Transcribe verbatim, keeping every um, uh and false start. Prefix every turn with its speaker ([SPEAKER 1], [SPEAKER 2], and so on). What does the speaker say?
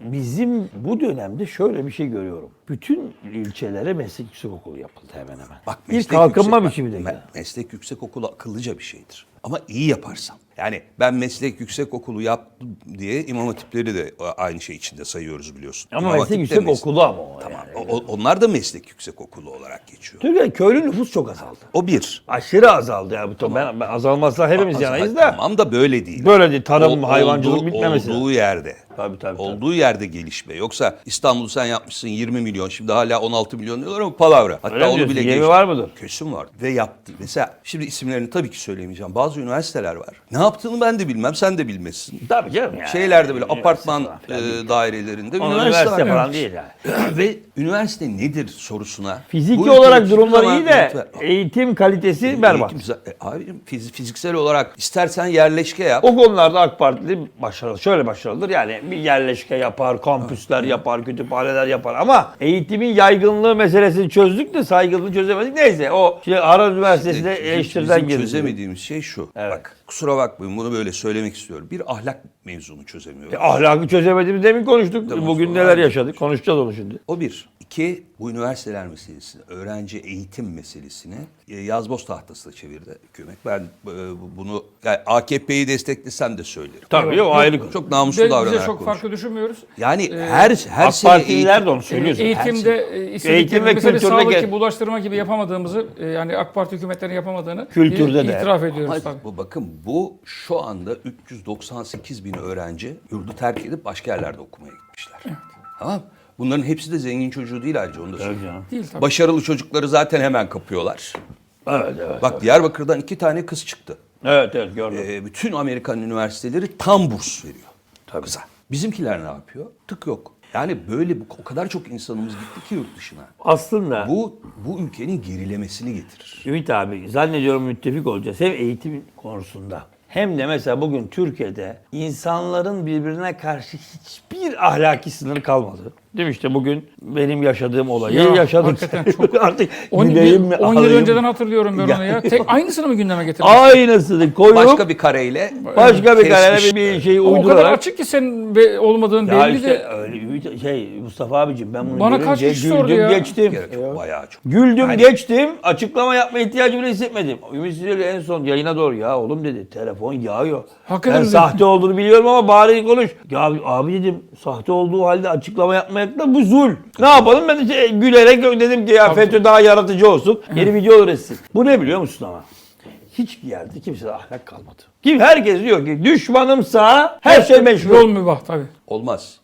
[SPEAKER 1] bizim bu dönemde şöyle bir şey görüyorum. Bütün ilçelere meslek yüksekokulu yapıldı hemen hemen.
[SPEAKER 2] Bak,
[SPEAKER 1] bir
[SPEAKER 2] meslek
[SPEAKER 1] kalkınma
[SPEAKER 2] yüksek-
[SPEAKER 1] biçimi de.
[SPEAKER 2] me-
[SPEAKER 1] yani.
[SPEAKER 2] Meslek yüksekokulu akıllıca bir şeydir. Ama iyi yaparsan. Yani ben meslek yüksekokulu yaptım diye imam hatipleri de aynı şey içinde sayıyoruz biliyorsun.
[SPEAKER 1] Ama
[SPEAKER 2] İmam
[SPEAKER 1] meslek
[SPEAKER 2] Hatip de
[SPEAKER 1] yüksekokulu ama o.
[SPEAKER 2] Tamam.
[SPEAKER 1] Yani.
[SPEAKER 2] O- o- onlar da meslek yüksekokulu olarak geçiyor.
[SPEAKER 1] Türkiye'de köylü nüfus çok azaldı.
[SPEAKER 2] O bir.
[SPEAKER 1] Aşırı azaldı ya. Bu ben, ben azalmazsa hepimiz
[SPEAKER 2] Az-
[SPEAKER 1] yanayız da.
[SPEAKER 2] Tamam da böyle değil.
[SPEAKER 1] Böyle değil. Tarım,
[SPEAKER 2] O-
[SPEAKER 1] hayvancılık
[SPEAKER 2] olduğu-
[SPEAKER 1] bitmemesi.
[SPEAKER 2] Olduğu yerde.
[SPEAKER 1] Tabii, tabii, tabii.
[SPEAKER 2] Olduğu yerde gelişme. Yoksa İstanbul'u sen yapmışsın yirmi milyon. Şimdi hala on altı milyon diyorlar ama palavra. Hatta
[SPEAKER 1] Öyle mi
[SPEAKER 2] onu
[SPEAKER 1] diyorsun?
[SPEAKER 2] bile
[SPEAKER 1] Yemi
[SPEAKER 2] geçti.
[SPEAKER 1] var mıdır?
[SPEAKER 2] Kesin var. Ve yaptı. Mesela şimdi isimlerini tabii ki söylemeyeceğim. Bazı üniversiteler var. Ne yaptığını ben de bilmem. Sen de bilmezsin.
[SPEAKER 1] Tabii canım yani.
[SPEAKER 2] Şeylerde böyle
[SPEAKER 1] Üniversite
[SPEAKER 2] apartman
[SPEAKER 1] falan filan değil.
[SPEAKER 2] e, dairelerinde
[SPEAKER 1] Ama
[SPEAKER 2] üniversite,
[SPEAKER 1] üniversite
[SPEAKER 2] var.
[SPEAKER 1] falan değil yani.
[SPEAKER 2] Ve üniversite nedir sorusuna.
[SPEAKER 1] Fiziki
[SPEAKER 2] bu ülke
[SPEAKER 1] olarak
[SPEAKER 2] hiçbir
[SPEAKER 1] durumları
[SPEAKER 2] zaman
[SPEAKER 1] iyi de
[SPEAKER 2] yanıt ver-
[SPEAKER 1] eğitim kalitesi berbat.
[SPEAKER 2] Eğitim, e, abicim, fiz- fiziksel olarak istersen yerleşke yap.
[SPEAKER 1] O konularda AK Partili başarılı. Şöyle başarılıdır yani bir yerleşke yapar, kampüsler yapar, kütüphaneler yapar ama eğitimin yaygınlığı meselesini çözdük de saygınlığı çözemedik. Neyse o şey Harvard Üniversitesi'nde
[SPEAKER 2] Bizim-
[SPEAKER 1] eleştiriden
[SPEAKER 2] bizim
[SPEAKER 1] girdi.
[SPEAKER 2] çözemediğimiz şey şu.
[SPEAKER 1] Evet.
[SPEAKER 2] Bak kusura bakmayın bunu böyle söylemek istiyorum. Bir ahlak mevzunu çözemiyoruz.
[SPEAKER 1] E, ahlakı çözemediğimiz demin konuştuk.
[SPEAKER 2] Tamam,
[SPEAKER 1] Bugün
[SPEAKER 2] sonra
[SPEAKER 1] neler
[SPEAKER 2] aynı.
[SPEAKER 1] yaşadık konuşacağız onu şimdi.
[SPEAKER 2] O bir. İki, bu üniversiteler meselesini, öğrenci eğitim meselesini e, yazboz tahtasına çevirdi hükümet. Ben e, bunu yani A K P'yi desteklesem de söylerim.
[SPEAKER 1] Tabii o ayrı konu.
[SPEAKER 2] Çok namuslu
[SPEAKER 3] Ve bize
[SPEAKER 2] davranarak
[SPEAKER 3] çok
[SPEAKER 2] konuşuyorum.
[SPEAKER 3] farklı düşünmüyoruz.
[SPEAKER 2] Yani
[SPEAKER 3] Ee,
[SPEAKER 2] her her
[SPEAKER 1] AK
[SPEAKER 2] sene
[SPEAKER 1] Partililer
[SPEAKER 2] eğitim-
[SPEAKER 1] de onu söylüyorsun.
[SPEAKER 3] Eğitimde e,
[SPEAKER 1] Eğitim
[SPEAKER 3] istedikleri
[SPEAKER 1] ve
[SPEAKER 3] mesela
[SPEAKER 1] kültürde
[SPEAKER 3] sağlık
[SPEAKER 1] gel-
[SPEAKER 3] gibi, bulaştırma gibi yapamadığımızı e, yani AK Parti hükümetlerinin yapamadığını
[SPEAKER 1] Kültürde
[SPEAKER 3] e,
[SPEAKER 1] de.
[SPEAKER 3] itiraf ediyoruz
[SPEAKER 2] Hayır,
[SPEAKER 3] tabii.
[SPEAKER 2] bu bakın bu şu anda üç yüz doksan sekiz bin öğrenci yurdu terk edip başka yerlerde okumaya gitmişler. Tamam. Bunların hepsi de zengin çocuğu değil ayrıca onu da söyleyeyim.
[SPEAKER 1] canım.
[SPEAKER 3] Değil tabii.
[SPEAKER 2] Başarılı çocukları zaten hemen kapıyorlar.
[SPEAKER 1] Evet evet.
[SPEAKER 2] Bak Diyarbakır'dan iki tane kız çıktı.
[SPEAKER 1] Evet evet gördüm.
[SPEAKER 2] Ee, bütün Amerikan üniversiteleri tam burs veriyor. Kıza. Bizimkiler ne yapıyor? Tık yok. Yani böyle bu- o kadar çok insanımız gitti ki yurt dışına.
[SPEAKER 1] Aslında
[SPEAKER 2] Bu bu ülkenin gerilemesini getirir.
[SPEAKER 1] Ümit abi zannediyorum müttefik olacağız hem eğitim konusunda hem de mesela bugün Türkiye'de insanların birbirine karşı hiçbir ahlaki sınır kalmadı. Değil mi işte bugün benim yaşadığım olayı
[SPEAKER 3] Ya,
[SPEAKER 1] yaşadım.
[SPEAKER 3] hakikaten çok-
[SPEAKER 1] Artık
[SPEAKER 3] on
[SPEAKER 1] güleyim mi,
[SPEAKER 3] yıl
[SPEAKER 1] ağlayayım
[SPEAKER 3] önceden
[SPEAKER 1] mı?
[SPEAKER 3] hatırlıyorum ben onu ya. Tek aynısını mı gündeme getirdin?
[SPEAKER 1] Aynısını koyup
[SPEAKER 2] Başka
[SPEAKER 1] başka bir,
[SPEAKER 2] bir kareyle
[SPEAKER 1] kararla
[SPEAKER 2] kesmiş.
[SPEAKER 1] bir, bir şeyi
[SPEAKER 3] O kadar
[SPEAKER 1] uydurarak.
[SPEAKER 3] açık ki senin be- olmadığın
[SPEAKER 1] Ya
[SPEAKER 3] belli
[SPEAKER 1] işte
[SPEAKER 3] de.
[SPEAKER 1] öyle Ümit- şey Mustafa abicim ben bunu
[SPEAKER 3] Bana kaç
[SPEAKER 1] görünce
[SPEAKER 3] kişi sordu
[SPEAKER 1] güldüm
[SPEAKER 3] ya?
[SPEAKER 1] geçtim.
[SPEAKER 2] Gerek yok, bayağı çok.
[SPEAKER 1] Güldüm geçtim. Açıklama yapma ihtiyacı bile hissetmedim. Ümit Sizeli en son yayına doğru ya oğlum dedi telefon yağıyor.
[SPEAKER 3] Hakikaten
[SPEAKER 1] Ben
[SPEAKER 3] mi?
[SPEAKER 1] sahte olduğunu biliyorum ama bari konuş. Ya abi dedim sahte olduğu halde açıklama yapmak da bu zul. Ne yapalım ben de şey, gülerek dedim ki ya FETÖ daha yaratıcı olsun. Yeni video üretsin. Bu ne biliyor musun ama? Hiçbir yerde kimsede ahlak kalmadı. Kim herkes diyor ki düşmanımsa her şey meşru.
[SPEAKER 3] Yol mübah tabii.
[SPEAKER 2] Olmaz.